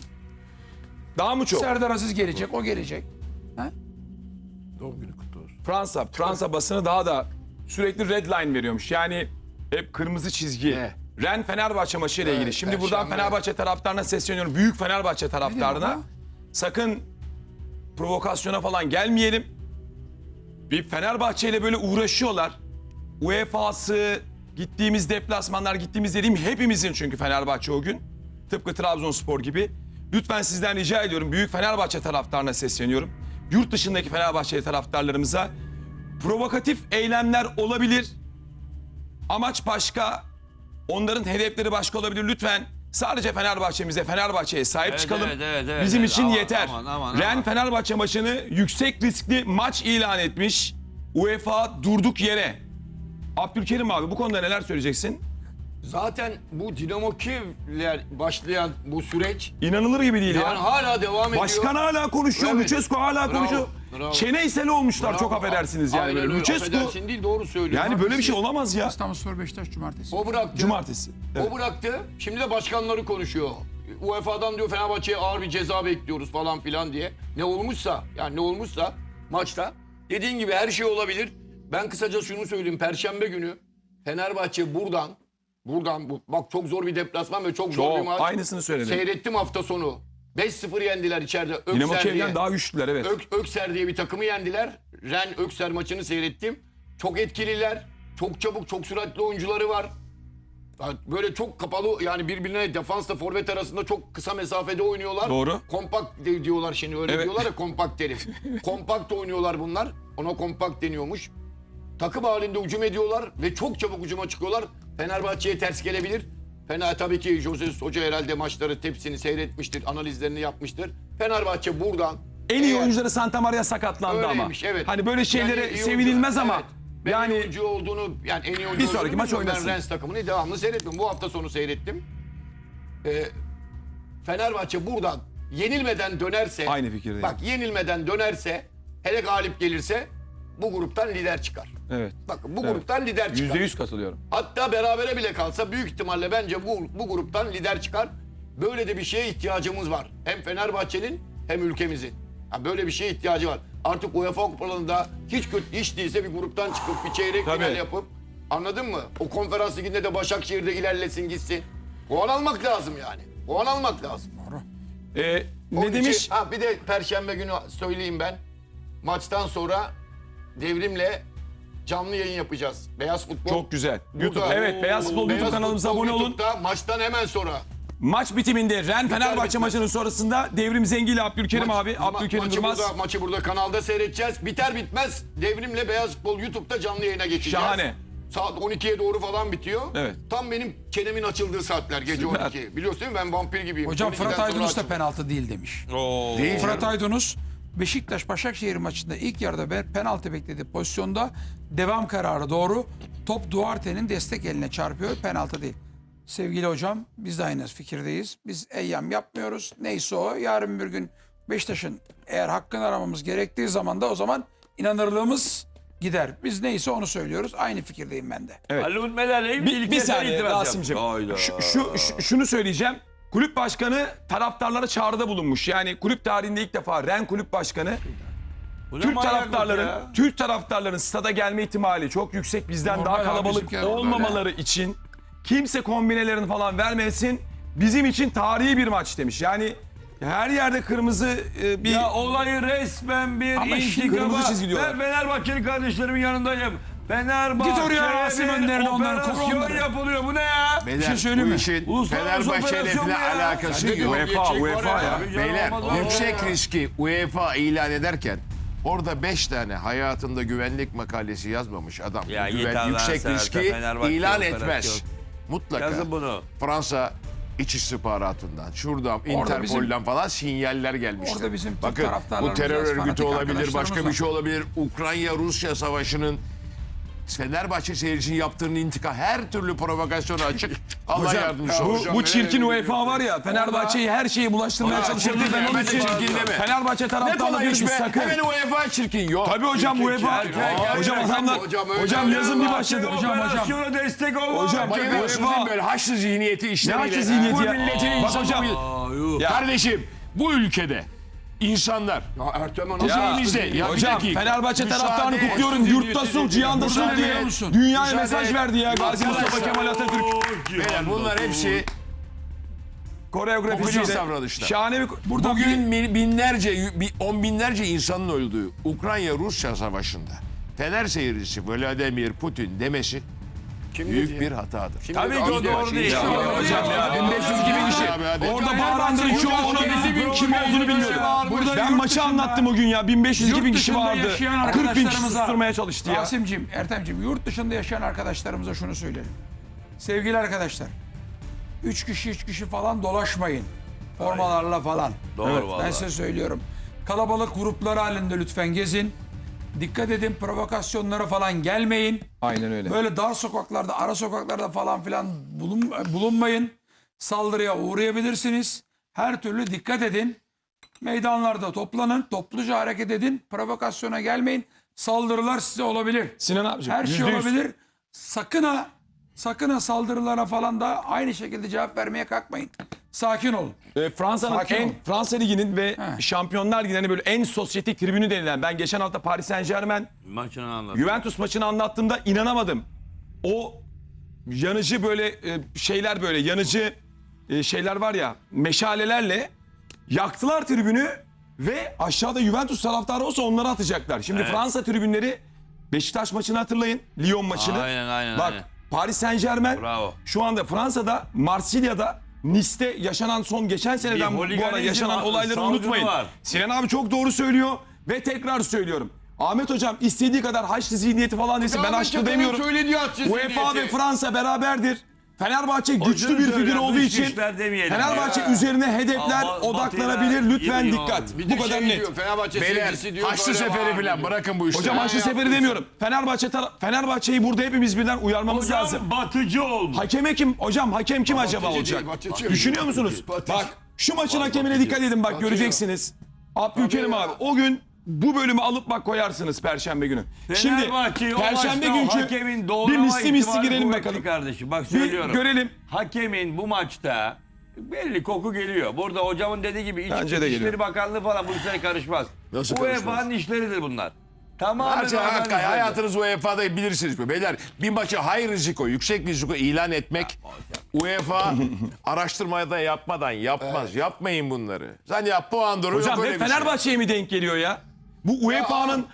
Speaker 4: daha mı çok?
Speaker 1: Serdar Aziz gelecek, o gelecek. Ha?
Speaker 3: Doğum günü kutlu olsun.
Speaker 4: Fransa basını daha da sürekli red line veriyormuş. Yani hep kırmızı çizgi.
Speaker 3: Ne?
Speaker 4: Ren Fenerbahçe maçı ile ilgili. Şimdi buradan
Speaker 5: Perşembe.
Speaker 4: Fenerbahçe taraftarına sesleniyorum. Büyük Fenerbahçe
Speaker 1: Ne
Speaker 4: taraftarına.
Speaker 1: diyor
Speaker 4: Sakın provokasyona falan gelmeyelim. Bir Fenerbahçe ile böyle uğraşıyorlar. UEFA'sı, gittiğimiz deplasmanlar, gittiğimiz dediğim hepimizin çünkü Fenerbahçe o gün. Tıpkı Trabzonspor gibi. Lütfen sizden rica ediyorum. Büyük Fenerbahçe taraftarına sesleniyorum. Yurt dışındaki Fenerbahçe taraftarlarımıza provokatif eylemler olabilir. Amaç başka. Onların hedefleri başka olabilir. Lütfen sadece Fenerbahçe'ye sahip
Speaker 2: Evet,
Speaker 4: çıkalım.
Speaker 2: evet,
Speaker 4: Bizim
Speaker 2: evet.
Speaker 4: için
Speaker 2: Aman,
Speaker 4: yeter.
Speaker 2: aman.
Speaker 4: Ren Fenerbahçe maçını yüksek riskli maç ilan etmiş. UEFA durduk yere. Abdülkerim abi bu konuda neler söyleyeceksin?
Speaker 5: Zaten bu Dinamo Kiev'le başlayan bu süreç
Speaker 4: İnanılır gibi değil
Speaker 5: yani
Speaker 4: ya.
Speaker 5: hala devam ediyor.
Speaker 4: Başkan hala konuşuyor,
Speaker 5: Evet.
Speaker 4: Lucescu hala
Speaker 5: Bravo,
Speaker 4: konuşuyor.
Speaker 5: bravo.
Speaker 4: Çene iseli olmuşlar
Speaker 5: Bravo.
Speaker 4: çok affedersiniz yani.
Speaker 5: Aynen
Speaker 4: Böyle.
Speaker 5: öyle,
Speaker 4: Lucescu
Speaker 5: affedersin değil doğru söylüyor.
Speaker 4: yani böyle bir şey olamaz ya.
Speaker 1: İstanbulspor Beşiktaş Cumartesi.
Speaker 5: O bıraktı.
Speaker 4: Cumartesi. Evet.
Speaker 5: O bıraktı. Şimdi de başkanları konuşuyor. UEFA'dan diyor Fenerbahçe'ye ağır bir ceza bekliyoruz falan filan diye. Ne olmuşsa maçta dediğin gibi her şey olabilir. Ben kısaca şunu söyleyeyim. Perşembe günü Fenerbahçe buradan bak çok zor bir deplasman ve çok zor bir maç.
Speaker 4: Aynısını söyledim.
Speaker 5: Seyrettim hafta sonu. 5-0 yendiler içeride.
Speaker 4: Dinamo
Speaker 5: Ökser diye.
Speaker 4: Kiev'den daha güçlüler evet.
Speaker 5: Ökser diye bir takımı yendiler. Ren Ökser maçını seyrettim. Çok etkililer. Çok çabuk, çok süratli oyuncuları var. Böyle çok kapalı yani birbirine defansla forvet arasında çok kısa mesafede oynuyorlar.
Speaker 4: Doğru.
Speaker 5: Kompakt diyorlar şimdi öyle
Speaker 4: Evet.
Speaker 5: diyorlar ya kompakt terim. Kompakt oynuyorlar bunlar. Ona kompakt deniyormuş. Takım halinde hücum ediyorlar ve çok çabuk hücuma çıkıyorlar. Fenerbahçe'ye ters gelebilir. Tabii ki Jose Hoca herhalde maçları hepsini seyretmiştir, analizlerini yapmıştır. Fenerbahçe buradan
Speaker 4: En iyi
Speaker 5: eğer-
Speaker 4: oyuncuları Santa Maria sakatlandı
Speaker 5: Öyleymiş,
Speaker 4: ama.
Speaker 5: evet.
Speaker 4: Hani böyle şeylere
Speaker 5: Yani iyi
Speaker 4: sevinilmez
Speaker 5: oyuncu,
Speaker 4: ama.
Speaker 5: evet. Ben iyi
Speaker 4: Yani
Speaker 5: oyuncu olduğunu yani en iyi oyuncu
Speaker 4: Bir sonraki
Speaker 5: olduğunu
Speaker 4: maç
Speaker 5: bilmiyorum.
Speaker 4: oynasın.
Speaker 5: Ben Rennes takımını devamlı seyrettim. Bu hafta sonu seyrettim. Fenerbahçe buradan yenilmeden dönerse
Speaker 4: Aynı fikirdeyim.
Speaker 5: Bak yenilmeden dönerse hele galip gelirse bu gruptan lider çıkar.
Speaker 4: evet.
Speaker 5: Bakın bu gruptan lider çıkar.
Speaker 4: %100 katılıyorum.
Speaker 5: Hatta berabere bile kalsa büyük ihtimalle bence bu gruptan lider çıkar. Böyle de bir şeye ihtiyacımız var. Hem Fenerbahçe'nin hem ülkemizin. Ha, böyle bir şeye ihtiyacı var. Artık UEFA kupalarında hiç değilse bir gruptan çıkıp bir çeyrek final yapıp, anladın mı? O konferans liginde de Başakşehir'de ilerlesin gitsin. Puan almak lazım yani. Puan almak lazım.
Speaker 4: Ne
Speaker 5: Onun
Speaker 4: demiş?
Speaker 5: için- bir de Perşembe günü söyleyeyim ben. Maçtan sonra Devrim'le canlı yayın yapacağız. Beyaz Futbol.
Speaker 4: Çok güzel. YouTube.
Speaker 5: Burada-
Speaker 4: Evet, Beyaz Futbol YouTube kanalımıza
Speaker 5: Futbol
Speaker 4: abone olun.
Speaker 5: YouTube'da maçtan hemen sonra.
Speaker 4: Maç bitiminde Ren Fenerbahçe
Speaker 5: bitmez.
Speaker 4: maçının sonrasında Devrim Zengi ile Abdülkerim abi. Abdülkerim Durmaz.
Speaker 5: Maçı burada kanalda seyredeceğiz. Biter bitmez Devrim'le Beyaz Futbol YouTube'da canlı yayına geçeceğiz.
Speaker 4: Şahane.
Speaker 5: Saat 12'ye doğru falan bitiyor.
Speaker 4: Evet.
Speaker 5: Tam benim çenemin açıldığı saatler gece
Speaker 4: Süper.
Speaker 5: 12. Biliyorsun değil mi? Ben vampir gibiyim.
Speaker 1: Hocam
Speaker 5: 12'den
Speaker 1: Fırat
Speaker 5: sonra
Speaker 1: Aydınus da
Speaker 5: açılıyor.
Speaker 1: penaltı değil demiş.
Speaker 3: Değil
Speaker 1: Fırat
Speaker 3: canım.
Speaker 1: Aydınus Beşiktaş-Başakşehir maçında ilk yarıda penaltı beklediği pozisyonda devam kararı doğru. Top Duarte'nin destek eline çarpıyor. Penaltı değil. Sevgili hocam biz de aynı fikirdeyiz. Biz eyyam yapmıyoruz. Neyse o. Yarın bir gün Beşiktaş'ın eğer hakkını aramamız gerektiği zaman da o zaman inanırlığımız gider. Biz neyse onu söylüyoruz. Aynı fikirdeyim ben de.
Speaker 2: Ali Ulmeler'le ilgili
Speaker 4: Bir
Speaker 2: kez
Speaker 4: saniye
Speaker 2: itiraz yap.
Speaker 4: Rasim'cim.
Speaker 2: Hayda.
Speaker 4: Şunu söyleyeceğim. Kulüp başkanı taraftarlara çağrıda bulunmuş. Yani kulüp tarihinde ilk defa Ren kulüp başkanı
Speaker 2: Bu ne
Speaker 4: Türk
Speaker 2: manyaklık ya?
Speaker 4: taraftarların stada gelme ihtimali çok yüksek, bizden
Speaker 1: Normal
Speaker 4: daha
Speaker 1: abi,
Speaker 4: kalabalık
Speaker 1: bizimkiler normal
Speaker 4: olmamaları için kimse kombinelerini falan vermesin. Bizim için tarihi bir maç demiş. Yani her yerde kırmızı bir
Speaker 2: Ya olayı resmen bir
Speaker 1: Ama şimdi
Speaker 2: intikama.
Speaker 4: kırmızı çizgi diyorlar.
Speaker 2: Ben Fenerbahçeli kardeşlerimin yanındayım. Fenerbahçe
Speaker 1: Git oraya Rasim Önder'in onları koku
Speaker 2: operasyon
Speaker 1: onları.
Speaker 2: yapılıyor. Bu ne ya?
Speaker 3: Beyler,
Speaker 1: şey söyleyeyim
Speaker 3: bu
Speaker 1: mi?
Speaker 3: işin
Speaker 2: Uluslararası
Speaker 3: Fenerbahçe ile
Speaker 2: operasyon
Speaker 3: falan
Speaker 2: bu ya.
Speaker 3: alakası
Speaker 5: Sende de
Speaker 3: yok.
Speaker 5: o gerçek var
Speaker 4: UEFA ya.
Speaker 3: Beyler
Speaker 2: Olmaz, olmaz.
Speaker 3: yüksek riski UEFA ilan ederken orada 5 tane hayatında güvenlik makalesi yazmamış adam.
Speaker 2: Ya yeter lan
Speaker 3: yüksek
Speaker 2: Serhat,
Speaker 3: riski
Speaker 2: Fenerbahçe
Speaker 3: ilan
Speaker 2: operasyon.
Speaker 3: etmez. Mutlaka.
Speaker 2: Yazın bunu.
Speaker 3: Fransa İç istihbaratından, şuradan,
Speaker 1: Orada
Speaker 3: Interpol'dan falan sinyaller gelmiştir.
Speaker 1: Orada bizim Türk
Speaker 3: Bakın bu
Speaker 1: taraftarlarımız
Speaker 3: terör
Speaker 1: biraz
Speaker 3: örgütü
Speaker 1: fanatik
Speaker 3: olabilir, başka
Speaker 1: arkadaşlarımız
Speaker 3: bir şey olabilir. Ukrayna-Rusya savaşının Fenerbahçe seyircisinin yaptığının intikam her türlü provokasyona açık. Allah yardımcısı olsun.
Speaker 4: bu çirkin UEFA var ya, Fenerbahçe'yi her şeye bulaştırmaya
Speaker 3: Orada
Speaker 4: çalışıyor.
Speaker 3: çirkin
Speaker 4: Ben onun
Speaker 3: deme,
Speaker 4: için
Speaker 3: çirkin deme.
Speaker 4: Fenerbahçe
Speaker 3: Ne
Speaker 4: taraftarları
Speaker 3: kolay
Speaker 4: diyoruz
Speaker 3: iş
Speaker 4: biz
Speaker 3: be.
Speaker 4: sakın.
Speaker 3: Hemen UEFA çirkin yok.
Speaker 4: Tabii hocam UEFA. Hocam adamlar. Hocam yazın bir başladı. Hocam.
Speaker 2: Operasyona destek olma.
Speaker 4: Hocam,
Speaker 3: Bayılıyorsunuz değil mi böyle haçlı zihniyeti işleriyle?
Speaker 4: haçlı zihniyeti
Speaker 3: Bu
Speaker 4: ya?
Speaker 3: milletin
Speaker 4: Bak
Speaker 3: insanı
Speaker 4: hocam.
Speaker 3: bu. Kardeşim bu ülkede insanlar
Speaker 5: Ya Ertem
Speaker 3: kuzeyimizde ya
Speaker 4: Hocam
Speaker 3: bir dakika.
Speaker 4: Fenerbahçe
Speaker 3: Müsaade
Speaker 4: taraftarını
Speaker 3: et.
Speaker 4: kutluyorum. Yurtta sul, cihanda sul
Speaker 3: Müsaade
Speaker 4: diye
Speaker 3: et.
Speaker 4: dünyaya
Speaker 3: Müsaade
Speaker 4: mesaj
Speaker 3: et.
Speaker 4: verdi ya. Gazi Mustafa
Speaker 3: Arkadaşlar.
Speaker 4: Kemal Atatürk.
Speaker 3: Beyler bunlar hepsi
Speaker 4: Koreografisiyle.
Speaker 3: popülist davranışlar.
Speaker 4: Şahane bir... Burada
Speaker 3: bugün on binlerce insanın öldüğü Ukrayna-Rusya savaşında Fener seyircisi Vladimir Putin demesi büyük bir hatadır.
Speaker 2: Tabii ki o doğru değil.
Speaker 4: hocam ya 1500-2000 kişi. Orada bağıranların çoğunun kim olduğunu bilmiyorum. Ben maçı anlattım o gün ya. 1500-2000 kişi
Speaker 1: dışında
Speaker 4: vardı.
Speaker 1: yaşayan
Speaker 4: 40 bin kişi
Speaker 1: arkadaşlarımıza-
Speaker 4: susturmaya çalıştı ya.
Speaker 1: Rasim'cim, Ertem'cim yurt dışında yaşayan arkadaşlarımıza şunu söylerim. Sevgili arkadaşlar, 3 kişi falan dolaşmayın. Formalarla falan.
Speaker 2: Doğru
Speaker 1: Ben
Speaker 2: vallahi.
Speaker 1: size söylüyorum. Kalabalık gruplar halinde lütfen gezin. Dikkat edin, provokasyonlara falan gelmeyin.
Speaker 4: Aynen öyle.
Speaker 1: Böyle dar sokaklarda, ara sokaklarda falan filan bulunmayın. Saldırıya uğrayabilirsiniz. Her türlü dikkat edin. Meydanlarda toplanın, topluca hareket edin. Provokasyona gelmeyin. Saldırılar size olabilir.
Speaker 4: Sinan abiciğim.
Speaker 1: Her şey
Speaker 4: %100.
Speaker 1: olabilir. Sakın ha saldırılara falan da aynı şekilde cevap vermeye kalkmayın. Sakin olun.
Speaker 4: Fransa'nın
Speaker 1: Sakin olun.
Speaker 4: Fransa Ligi'nin ve Şampiyonlar Ligi'nin böyle en sosyetik tribünü denilen, ben geçen hafta Paris Saint-Germain
Speaker 2: Maçını anlat.
Speaker 4: Juventus maçını anlattığımda inanamadım. O yanıcı böyle şeyler, böyle yanıcı şeyler var ya, meşalelerle yaktılar tribünü ve aşağıda Juventus taraftarı olsa onları atacaklar. Şimdi Fransa tribünleri, Beşiktaş maçını hatırlayın, Lyon maçını.
Speaker 2: Aynen,
Speaker 4: Bak
Speaker 2: aynen.
Speaker 4: Paris Saint-Germain
Speaker 2: Bravo.
Speaker 4: şu anda Fransa'da, Marsilya'da, Nice'te yaşanan son geçen seneden bu ara
Speaker 2: holiganizm
Speaker 4: yaşanan
Speaker 2: var,
Speaker 4: olayları
Speaker 2: salgını
Speaker 4: unutmayın.
Speaker 2: var.
Speaker 4: Sinan abi çok doğru söylüyor ve tekrar söylüyorum. Ahmet hocam istediği kadar haçlı zihniyeti falan desin, ben haçlı demiyorum. UEFA ve Fransa beraberdir. Fenerbahçe güçlü bir figür
Speaker 2: söylüyorum,
Speaker 4: olduğu
Speaker 2: dış
Speaker 4: için
Speaker 2: güçler demeyelim
Speaker 4: Fenerbahçe
Speaker 2: ya.
Speaker 4: üzerine hedefler
Speaker 2: Ama
Speaker 4: odaklanabilir.
Speaker 2: Batı'yla
Speaker 4: Lütfen
Speaker 2: iyi
Speaker 4: dikkat.
Speaker 2: oynuyor.
Speaker 5: Bir de
Speaker 4: Bu kadar
Speaker 5: şey
Speaker 4: net.
Speaker 5: diyor, Fenerbahçe
Speaker 3: Beyler
Speaker 5: seyircisi diyor.
Speaker 3: haçlı
Speaker 5: böyle
Speaker 3: seferi
Speaker 5: var
Speaker 3: falan
Speaker 5: diyor.
Speaker 3: bırakın bu işleri.
Speaker 4: Hocam haçlı seferi demiyorum. Fenerbahçe'yi burada hepimiz birden uyarmamız lazım.
Speaker 2: Hocam batıcı olmuş.
Speaker 4: Hakeme kim? Hocam hakem kim acaba
Speaker 5: Batıcı
Speaker 4: olacak?
Speaker 5: değil, batıcı.
Speaker 4: Düşünüyor musunuz?
Speaker 5: Batıcı.
Speaker 4: Bak şu maçın hakemine dikkat edin, bak göreceksiniz. Abdülkerim
Speaker 5: Tabii ya.
Speaker 4: abi o gün bu bölümü alıp bak koyarsınız Perşembe günü. Şimdi
Speaker 2: Fenerbahçe'yi o
Speaker 4: Perşembe
Speaker 2: maçta
Speaker 4: günkü
Speaker 2: hakemin
Speaker 4: bir
Speaker 2: doğrulama
Speaker 4: misli
Speaker 2: ihtimali
Speaker 4: girelim
Speaker 2: kuvvetli
Speaker 4: bakalım.
Speaker 2: kardeşim. Bak
Speaker 4: Bir
Speaker 2: söylüyorum.
Speaker 4: görelim.
Speaker 2: Hakemin bu maçta belli koku geliyor. Burada hocamın dediği gibi
Speaker 4: Bence de
Speaker 2: İçişleri
Speaker 4: geliyor.
Speaker 2: Bakanlığı falan bu işlere karışmaz.
Speaker 3: Nasıl karışmaz?
Speaker 2: UEFA'nın işleridir bunlar. Tamamen
Speaker 3: Hakikaten
Speaker 2: UEFA'nın işleridir.
Speaker 3: hayatınız UEFA'da bilirsiniz mi? Beyler bir maçı high risiko, yüksek risiko ilan etmek UEFA araştırmaya da yapmadan yapmaz. Yapmayın bunları. Sen yap puan durumu
Speaker 4: Hocam
Speaker 3: yok öyle
Speaker 4: hep
Speaker 3: bir şey.
Speaker 4: Fenerbahçe'ye mi denk geliyor ya? Bu UEFA'nın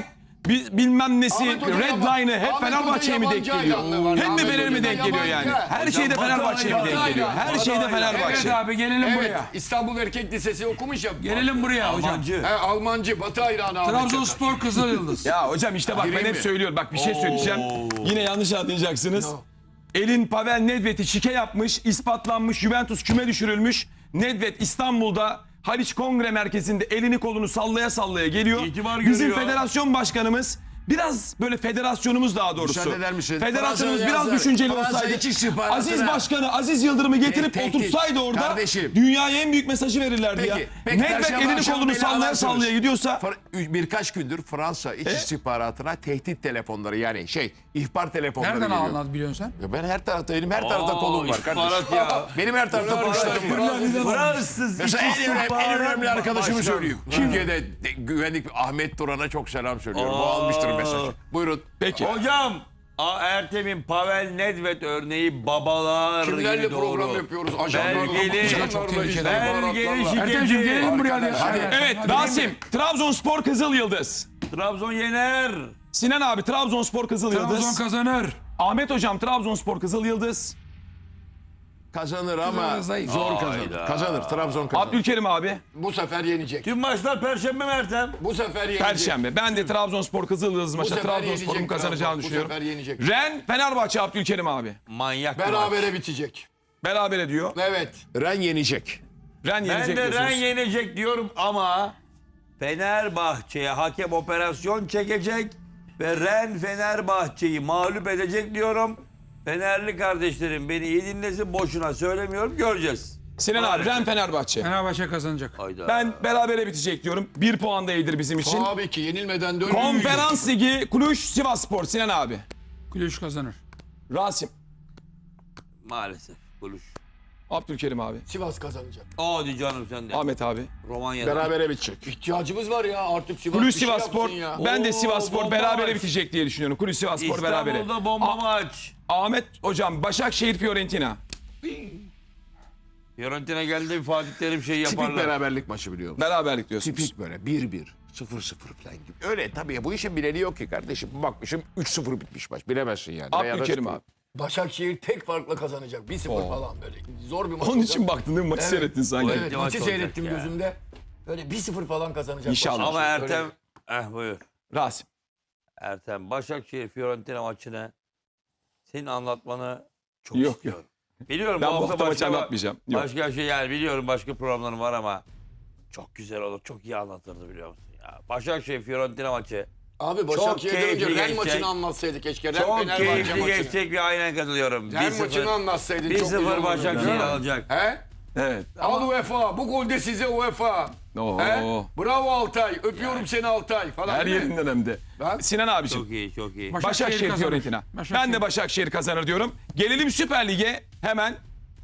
Speaker 4: bilmem nesi,
Speaker 5: Ahmet Hoca
Speaker 4: red line'ı hep
Speaker 5: Ahmet
Speaker 4: Fenerbahçe'ye mi
Speaker 5: Hoca
Speaker 4: denk
Speaker 5: yabancı
Speaker 4: geliyor?
Speaker 5: hayranlığı var.
Speaker 4: Hep mi
Speaker 5: Ahmet
Speaker 4: Fener'e mi
Speaker 5: Hoca'da
Speaker 4: denk geliyor
Speaker 5: yabancı.
Speaker 4: yani? Her şeyde
Speaker 2: Hocam,
Speaker 4: Fenerbahçe'ye mi
Speaker 2: Batı
Speaker 4: denk
Speaker 2: hayranı.
Speaker 4: geliyor? Her
Speaker 2: Batı
Speaker 4: şeyde
Speaker 2: hayranı.
Speaker 1: Evet
Speaker 4: Fenerbahçe.
Speaker 1: abi gelelim
Speaker 5: Evet,
Speaker 1: buraya.
Speaker 5: İstanbul Erkek Lisesi okumuş ya.
Speaker 1: Gelelim buraya hocam.
Speaker 2: Almancı.
Speaker 5: Almancı, Batı hayranı Ahmet Çakar.
Speaker 1: Trabzonspor Kızılyıldız.
Speaker 4: Ya hocam işte bak ben
Speaker 3: Gireyim
Speaker 4: hep
Speaker 3: mi?
Speaker 4: söylüyorum. Bak bir şey söyleyeceğim. Yine yanlış anlayacaksınız. Elin Pavel Nedved'i şike yapmış, ispatlanmış, Juventus küme düşürülmüş. Nedved İstanbul'da Haliç Kongre Merkezi'nde elini kolunu sallaya sallaya geliyor.
Speaker 2: İtibar
Speaker 4: Bizim
Speaker 2: görüyor.
Speaker 4: federasyon başkanımız biraz böyle federasyonumuz daha doğrusu.
Speaker 3: Müsaade eder misin?
Speaker 4: Federasyonumuz
Speaker 3: Fransa
Speaker 4: biraz
Speaker 3: yazar.
Speaker 4: düşünceli
Speaker 3: Fransa
Speaker 4: olsaydı.
Speaker 3: iç istihbaratına-
Speaker 4: Aziz Başkanı Aziz Yıldırım'ı getirip
Speaker 3: Tehdit.
Speaker 4: oturtsaydı orada
Speaker 3: Kardeşim.
Speaker 4: dünyaya en büyük mesajı verirlerdi ya.
Speaker 3: Peki,
Speaker 4: Nedved
Speaker 3: Perşembe
Speaker 4: elini
Speaker 3: akşamı
Speaker 4: kolunu
Speaker 3: beni
Speaker 4: sallaya
Speaker 3: alarsınız.
Speaker 4: sallaya gidiyorsa
Speaker 3: Birkaç gündür Fransa iç istihbaratına tehdit telefonları yani ihbar telefonları
Speaker 1: Nereden
Speaker 3: geliyor.
Speaker 1: anladın biliyorsun sen?
Speaker 3: Ya ben her tarafta benim her tarafta kolum var kardeşim.
Speaker 2: istihbarat ya.
Speaker 3: Benim her tarafta kuşlarım var.
Speaker 2: Fransız
Speaker 3: Mesela en önemli arkadaşımı
Speaker 2: Başkan.
Speaker 3: söyleyeyim. Türkiye'de güvenlik Ahmet Duran'a çok selam söylüyorum. Bu almıştır mesajı. Buyurun.
Speaker 4: peki.
Speaker 2: Hocam Ertem'in Pavel Nedved örneği babalar
Speaker 5: Kimlerle
Speaker 2: gibi doğru.
Speaker 5: program yapıyoruz? Ajanlarla,
Speaker 2: Belgeli,
Speaker 1: çok tehlikeli.
Speaker 2: belgeli
Speaker 1: Ertemciğim
Speaker 2: şikeci.
Speaker 1: gelelim buraya. Hadi.
Speaker 4: Evet Rasim Trabzonspor Kızıl Yıldız.
Speaker 2: Trabzon yener.
Speaker 4: Sinan abi Trabzonspor Kızıl
Speaker 1: Trabzon
Speaker 4: Yıldız.
Speaker 1: kazanır.
Speaker 4: Ahmet hocam Trabzonspor Kızıl Yıldız.
Speaker 3: Kazanır ama
Speaker 1: Zayıf.
Speaker 3: zor kazanır. Kazanır. Trabzon kazanır.
Speaker 4: Abdülkerim abi.
Speaker 5: Bu sefer yenecek.
Speaker 2: Tüm maçlar Perşembe mi Ertem?
Speaker 5: Bu sefer yenecek.
Speaker 4: Perşembe. Ben de Trabzonspor Kızıl Yıldız
Speaker 5: Bu
Speaker 4: maçta
Speaker 5: sefer
Speaker 4: Trabzonspor'un
Speaker 5: yenecek
Speaker 4: kazanacağını
Speaker 5: Trabzon.
Speaker 4: düşünüyorum.
Speaker 5: Bu sefer yenecek.
Speaker 4: Ren Fenerbahçe Abdülkerim abi.
Speaker 2: Manyak bir maç.
Speaker 5: Berabere bitecek.
Speaker 4: Berabere diyor.
Speaker 5: Evet.
Speaker 3: Ren yenecek.
Speaker 4: Ren
Speaker 2: Ben
Speaker 4: yenecek
Speaker 2: de Ren
Speaker 4: diyorsunuz.
Speaker 2: yenecek diyorum ama Fenerbahçe'ye hakem operasyon çekecek ve Ren Fenerbahçe'yi mağlup edecek diyorum. Fenerli kardeşlerim beni iyi dinlesin, boşuna söylemiyorum, göreceğiz.
Speaker 4: Sinan abi Ren Fenerbahçe.
Speaker 1: Fenerbahçe kazanacak.
Speaker 2: Hayda.
Speaker 4: Ben berabere bitecek diyorum. 1 puan da iyidir bizim için.
Speaker 5: Tabii ki yenilmeden dönülmeyecek.
Speaker 4: Konferans Ligi Cluj Sivasspor Sinan abi.
Speaker 1: Kulüş kazanır.
Speaker 4: Rasim.
Speaker 2: Maalesef. Buluş.
Speaker 4: Abdülkerim abi.
Speaker 5: Sivas kazanacak.
Speaker 2: Hadi canım sen de.
Speaker 4: Ahmet abi.
Speaker 2: Romanya'da.
Speaker 3: Berabere bitecek.
Speaker 5: İhtiyacımız var ya artık Sivas
Speaker 4: Cluj
Speaker 5: bir şey
Speaker 4: Sivasspor.
Speaker 5: yapsın ya.
Speaker 4: Ben de
Speaker 2: Oo,
Speaker 4: Sivasspor
Speaker 2: bomba
Speaker 4: berabere
Speaker 2: maç.
Speaker 4: bitecek diye düşünüyorum. Cluj Sivasspor berabere.
Speaker 2: İstanbul'da bomba maç.
Speaker 4: Ahmet hocam Başakşehir Fiorentina.
Speaker 2: Fiorentina geldi bir Fatih Terim şey
Speaker 3: Tipik
Speaker 2: yaparlar.
Speaker 3: beraberlik maçı biliyor musun?
Speaker 4: Beraberlik diyorsunuz.
Speaker 3: Tipik böyle 1-1, 0-0 falan gibi. Öyle tabii bu işin bileni yok ki kardeşim. Bakmışım 3-0 bitmiş maç. Bilemezsin yani. Veya da
Speaker 4: Abdülkerim
Speaker 3: 0.
Speaker 4: abi.
Speaker 5: Başakşehir tek farkla kazanacak. 1-0 falan böyle. Zor bir maç
Speaker 4: Onun
Speaker 5: olacak.
Speaker 4: için baktın değil mi? Maçı
Speaker 5: Evet.
Speaker 4: seyrettin sanki.
Speaker 5: Evet,
Speaker 2: maç
Speaker 5: maçı
Speaker 2: olacak
Speaker 5: seyrettim
Speaker 2: ya.
Speaker 5: gözümde. Böyle 1-0 falan kazanacak.
Speaker 4: İnşallah.
Speaker 2: Ama
Speaker 5: Başakşehir.
Speaker 2: Ertem,
Speaker 5: Öyle.
Speaker 2: buyur.
Speaker 4: Rasim.
Speaker 2: Ertem, Başakşehir Fiorentina maçını senin anlatmanı çok
Speaker 4: Yok,
Speaker 2: istiyorum. Biliyorum
Speaker 4: Ben bu
Speaker 2: hafta
Speaker 4: hafta maçı
Speaker 2: başka-
Speaker 4: anlatmayacağım. Yok.
Speaker 2: Başka şey yani biliyorum başka programlarım var ama çok güzel olur. Çok iyi anlatırdı biliyor musun ya. Başakşehir Fiorentina maçı
Speaker 5: Abi Başakşehir'den önce
Speaker 2: keyifli
Speaker 5: Ren
Speaker 2: geçecek.
Speaker 5: maçını anlatsaydık keşke. Ren
Speaker 2: çok
Speaker 5: Fenerbahçe
Speaker 2: keyifli
Speaker 5: maçını.
Speaker 2: geçecek ve aynen katılıyorum.
Speaker 5: Ren maçını anlatsaydın çok güzel
Speaker 2: 1-0
Speaker 5: olurdu.
Speaker 2: Başakşehir
Speaker 5: Değil mi?
Speaker 2: alacak.
Speaker 5: He?
Speaker 4: Evet.
Speaker 5: Al UEFA. Bu golde size UEFA.
Speaker 4: Oo.
Speaker 5: He? Bravo Altay. Öpüyorum seni Altay falan.
Speaker 4: Her
Speaker 5: değil mi?
Speaker 4: yerinden hem de.
Speaker 5: Ben-
Speaker 4: Sinan abiciğim.
Speaker 2: Çok iyi, çok iyi.
Speaker 4: Başakşehir
Speaker 1: kazanır.
Speaker 4: Fiorentina.
Speaker 1: Başakşehir.
Speaker 4: Ben de Başakşehir kazanır diyorum. Gelelim Süper Lig'e hemen.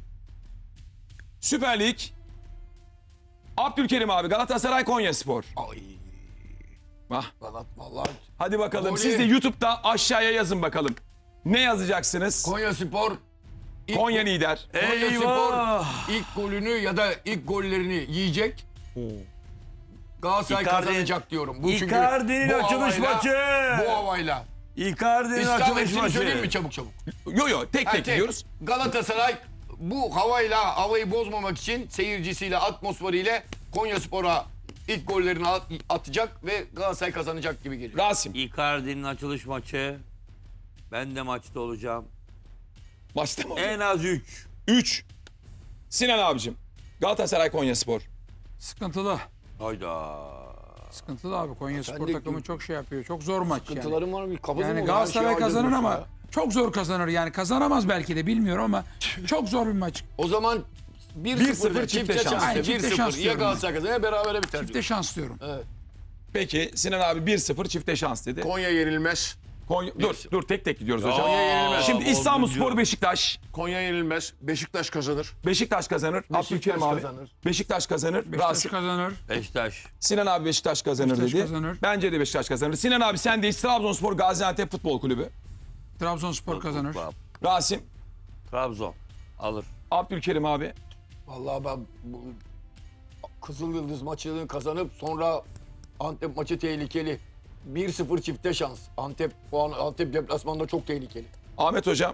Speaker 4: Süper Lig. Abdülkerim abi Galatasaray Konyaspor.
Speaker 5: Ay.
Speaker 4: Ah.
Speaker 5: Vallahi.
Speaker 4: Hadi bakalım
Speaker 5: Golü-
Speaker 4: siz de YouTube'da aşağıya yazın bakalım. Ne yazacaksınız?
Speaker 5: Konyaspor
Speaker 4: Konya lider.
Speaker 5: Konyaspor
Speaker 2: Eyvah!
Speaker 5: ilk golünü ya da ilk gollerini yiyecek. Galatasaray
Speaker 2: Icardi-
Speaker 5: kazanacak diyorum. Bu çünkü
Speaker 2: Icardi'nin
Speaker 5: bu
Speaker 2: açılış
Speaker 5: havayla-
Speaker 2: maçı.
Speaker 5: Bu havayla.
Speaker 2: Icardi'nin
Speaker 5: İstanbul
Speaker 2: açılış
Speaker 5: hepsini söyleyeyim mi
Speaker 2: maçı.
Speaker 5: çabuk çabuk?
Speaker 4: Yo tek
Speaker 5: Ha,
Speaker 4: tek
Speaker 5: tek.
Speaker 4: gidiyoruz.
Speaker 5: Galatasaray bu havayı bozmamak için seyircisiyle, atmosferiyle Konyaspor'a ilk gollerini atacak ve Galatasaray kazanacak gibi geliyor.
Speaker 4: Rasim.
Speaker 2: Icardi'nin açılış maçı. Ben de maçta olacağım.
Speaker 4: Başta mı?
Speaker 2: En az 3.
Speaker 4: 3. Sinan abicim. Galatasaray Konyaspor.
Speaker 1: Sıkıntılı.
Speaker 2: Hayda.
Speaker 1: Sıkıntılı abi. Konya
Speaker 5: Sen
Speaker 1: Spor
Speaker 5: de-
Speaker 1: takımı çok şey yapıyor. Çok zor maç yani.
Speaker 5: Sıkıntılarım var mı? Kapatın
Speaker 1: Yani
Speaker 5: onu,
Speaker 1: Galatasaray
Speaker 5: her şeyi
Speaker 1: kazanır
Speaker 5: hallediyorsun
Speaker 1: ama
Speaker 5: ya.
Speaker 1: çok zor kazanır. Yani kazanamaz belki de bilmiyorum ama çok zor bir maç.
Speaker 5: O zaman 1-0 çifte şans.
Speaker 1: Aynen, çifte
Speaker 5: 1-0
Speaker 1: şans
Speaker 5: ya
Speaker 1: diyorum
Speaker 5: Galatasaray kazanır ya berabere biter.
Speaker 1: Çifte şans diyorum.
Speaker 4: Peki Sinan abi 1-0 çifte şans dedi.
Speaker 3: Konya yenilmez.
Speaker 4: Dur tek tek gidiyoruz hocam.
Speaker 3: Konya yenilmez.
Speaker 4: Şimdi İstanbulspor
Speaker 2: Bozguncu.
Speaker 4: Beşiktaş.
Speaker 3: Konya yenilmez. Beşiktaş kazanır.
Speaker 4: Beşiktaş kazanır. Abdülkerim abi.
Speaker 3: kazanır.
Speaker 4: Beşiktaş kazanır.
Speaker 1: Beşiktaş
Speaker 4: Rasim.
Speaker 1: kazanır.
Speaker 2: Beşiktaş.
Speaker 4: Sinan abi Beşiktaş kazanır
Speaker 1: Beşiktaş
Speaker 4: dedi.
Speaker 1: kazanır.
Speaker 4: Bence de Beşiktaş kazanır. Sinan abi sendeyiz. Trabzonspor Gaziantep Futbol Kulübü.
Speaker 1: Trabzonspor kazanır.
Speaker 4: Rasim.
Speaker 2: Trabzon. Alır.
Speaker 4: Abdülkerim abi.
Speaker 5: Vallahi ben bu Kızıl Yıldız maçını kazanıp sonra Antep maçı tehlikeli. 1-0 çifte şans. Antep deplasmanda çok tehlikeli.
Speaker 4: Ahmet hocam.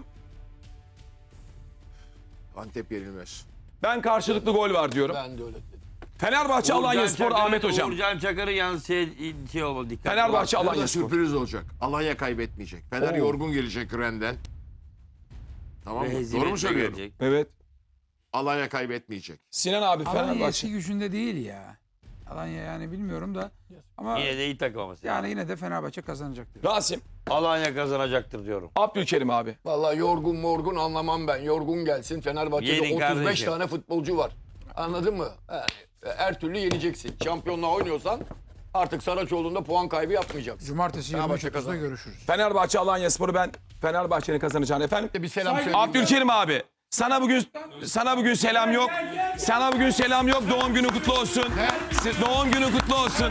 Speaker 3: Antep yenilmez.
Speaker 4: Ben karşılıklı gol var diyorum.
Speaker 5: Ben de öyle dedim.
Speaker 4: Fenerbahçe Alanyaspor Ahmet hocam.
Speaker 2: Uğurcan Çakır'ı yansıya şey olmalı dikkat.
Speaker 4: Fenerbahçe
Speaker 3: Burada
Speaker 4: Alanyaspor.
Speaker 3: sürpriz olacak. Alanya kaybetmeyecek. Fener
Speaker 4: Oo.
Speaker 3: yorgun gelecek Ren'den. Tamam mı? Doğru mu
Speaker 2: Hezimetle
Speaker 3: söylüyorum?
Speaker 2: gelecek.
Speaker 4: Evet.
Speaker 3: Alanya kaybetmeyecek.
Speaker 4: Sinan abi
Speaker 1: Alanya eski
Speaker 4: Fenerbahçe.
Speaker 1: gücünde değil ya. Alanya yani bilmiyorum da. Ama
Speaker 2: Yine de iyi takım ama.
Speaker 1: yani yine de Fenerbahçe kazanacak diyor.
Speaker 4: Rasim.
Speaker 2: Alanya kazanacaktır diyorum.
Speaker 4: Abdülkerim abi.
Speaker 5: Vallahi yorgun anlamam ben. Yorgun gelsin. Fenerbahçe'de
Speaker 2: Yenin
Speaker 5: 35
Speaker 2: kardeşim.
Speaker 5: tane futbolcu var. Anladın mı? Yani her türlü yeneceksin. Şampiyonluğa oynuyorsan artık Saraçoğlu'nda puan kaybı yapmayacaksın.
Speaker 1: Cumartesi
Speaker 5: Fenerbahçe
Speaker 1: 23.30'da
Speaker 5: kazanır.
Speaker 1: görüşürüz.
Speaker 4: Fenerbahçe Alanyaspor'u ben Fenerbahçe'nin kazanacağını efendim.
Speaker 5: Bir selam söyle.
Speaker 4: Abdülkerim abi. Sana bugün selam yok. Sana bugün selam yok. Doğum günün kutlu olsun. Doğum günün kutlu olsun.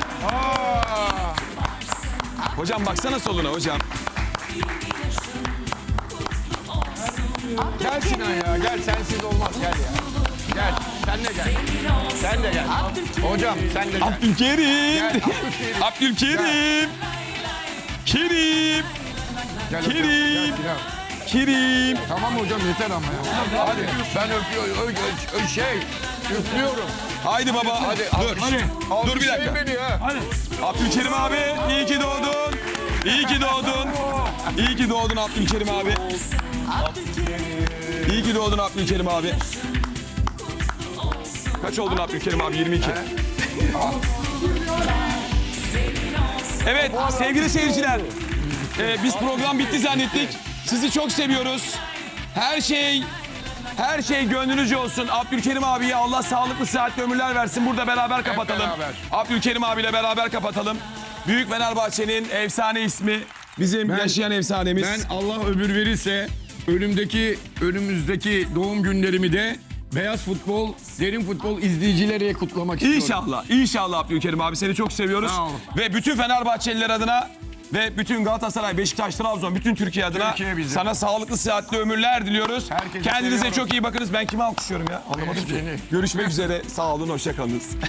Speaker 4: Hocam baksana soluna hocam.
Speaker 5: Gel Sinan ya. Gel sensiz olmaz. Gel ya. Gel. Sen de gel. Sen de gel. Hocam sen de gel.
Speaker 4: Abdülkerim. Abdülkerim. Kerim. Kerim. Kerim.
Speaker 1: Tamam hocam yeter ama ya.
Speaker 5: Hadi ben öpüyorum. Üflüyorum.
Speaker 4: Haydi baba.
Speaker 5: Hadi.
Speaker 4: Dur. Dur bir dakika.
Speaker 5: Beni ha.
Speaker 4: Abdülkerim abi iyi ki doğdun. İyi ki doğdun. İyi ki doğdun Abdülkerim abi. İyi ki doğdun Abdülkerim abi. Kaç oldun Abdülkerim abi? 22. Evet sevgili seyirciler. Biz program bitti zannettik. Sizi çok seviyoruz. Her şey gönlünüzce olsun. Abdülkerim abiye Allah sağlıklı sıhhatli ömürler versin. Burada beraber kapatalım.
Speaker 5: beraber.
Speaker 4: Abdülkerim abiyle beraber kapatalım. Büyük Fenerbahçe'nin efsane ismi. Bizim yaşayan efsanemiz.
Speaker 6: Ben Allah ömür verirse önümüzdeki doğum günlerimi de beyaz futbol, derin futbol izleyicileriyle kutlamak istiyorum.
Speaker 4: İnşallah. İnşallah Abdülkerim abi seni çok seviyoruz.
Speaker 6: Sağ olun.
Speaker 4: Ve bütün Fenerbahçeliler adına ve bütün Galatasaray, Beşiktaş, Trabzon, bütün Türkiye adına
Speaker 6: Türkiye bizi.
Speaker 4: sana sağlıklı, sıhhatli ömürler diliyoruz.
Speaker 6: Herkese
Speaker 4: Kendinize
Speaker 6: seviyorum.
Speaker 4: çok iyi bakınız. Ben kimi alkışlıyorum ya? Anlamadım ki.
Speaker 6: Seni.
Speaker 4: Görüşmek üzere. Sağ olun, hoşça kalınız.